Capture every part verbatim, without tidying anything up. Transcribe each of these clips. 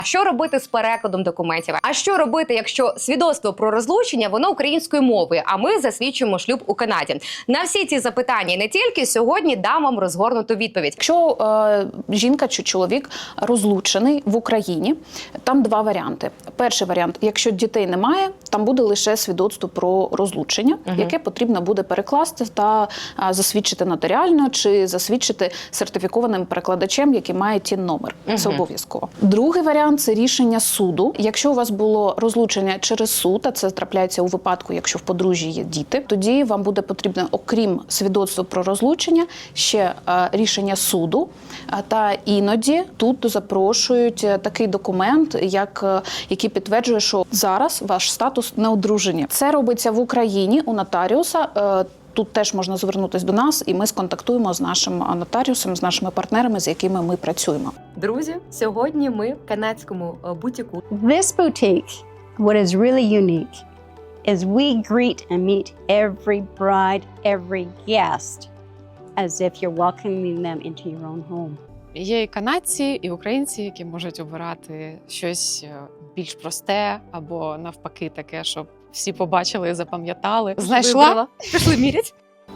Що робити з перекладом документів? А що робити, якщо свідоцтво про розлучення воно українською мовою, а ми засвідчуємо шлюб у Канаді? На всі ці запитання і не тільки сьогодні дам вам розгорнуту відповідь. Якщо е, жінка чи чоловік розлучений в Україні, там два варіанти. Перший варіант, якщо дітей немає, там буде лише свідоцтво про розлучення, угу. яке потрібно буде перекласти та а, засвідчити нотаріально чи засвідчити сертифікованим перекладачем, який має тін номер. Угу. Це обов'язково. Другий варіант – це рішення суду. Якщо у вас було розлучення через суд, а це трапляється у випадку, якщо в подружжі є діти, тоді вам буде потрібно, окрім свідоцтва про розлучення, ще а, рішення суду. А, та іноді тут запрошують такий документ, як, який підтверджує, що зараз ваш статус неодружені. Це робиться в Україні у нотаріуса. Тут теж можна звернутися до нас, і ми сконтактуємо з нашим нотаріусом, з нашими партнерами, з якими ми працюємо. Друзі, сьогодні ми в канадському бутіку. This boutique, what is really unique, is we greet and meet every bride, every guest, as if you're welcoming them into your own home. Є і канадці, і українці, які можуть обирати щось більш просте або навпаки таке, щоб всі побачили і запам'ятали. Знайшла? Вибрала. Пішли мірять.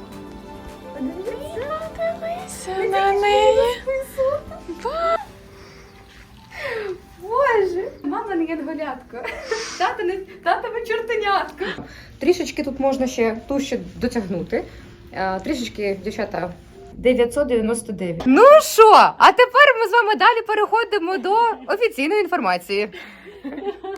Подивися на неї. Боже, мама не янголятко. Тата не татове чортенятко. Трішечки тут можна ще ту ще дотягнути. Трішечки, дівчата, дев'ятсот дев'яносто дев'ять. Ну що, а тепер ми з вами далі переходимо до офіційної інформації.